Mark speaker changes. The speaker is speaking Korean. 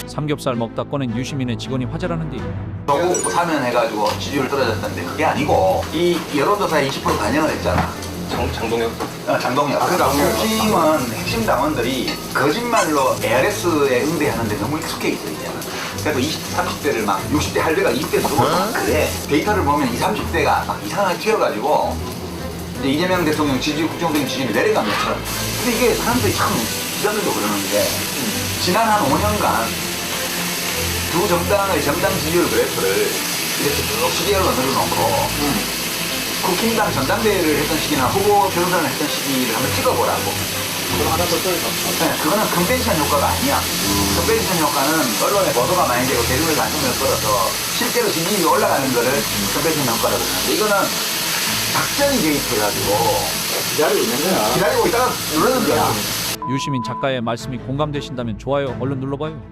Speaker 1: 삼겹살 먹다 꺼낸 유시민의 직원이 화제라는데
Speaker 2: 조국 사면해가지고 지지율 떨어졌던데 그게 아니고 이 여론조사에 20% 반영을 했잖아.
Speaker 3: 장동혁?
Speaker 2: 장동혁. 그러니까 국힘은 핵심 당원들이 거짓말로 ARS에 응대하는데 너무 익숙해 있어 이제는. 그래도 20, 30대를 막 60대 할배가 20대 들어오고 막 그래. 데이터를 보면 20, 30대가 막 이상하게 튀어가지고 이제 이재명 대통령 지지율, 국정적인 지지율이 내려간 것처럼. 근데 이게 사람들이 참 기자들도 그러는 게 지난 한 5년간 두 정당의 정당 지지율 그래프를 이렇게 쭉 시계열로 늘어놓고 국힘당 전당대회를 했던 시기나 후보 경선을 했던 시기를 한번 찍어보라고.
Speaker 3: 그럼 하나 더 써야
Speaker 2: 네, 그거는 컨벤션 효과가 아니야. 컨벤션 효과는 언론에 보도가 많이 되고 대중의 관심을 끌어서 실제로 지지율이 올라가는 거를 컨벤션 효과라고 하는데 이거는 작전이 개입해가지고
Speaker 3: 기다리고 있는 거야.
Speaker 2: 기다리고 있다가 누르는 거야.
Speaker 1: 유시민 작가의 말씀이 공감되신다면 좋아요 얼른 눌러봐요.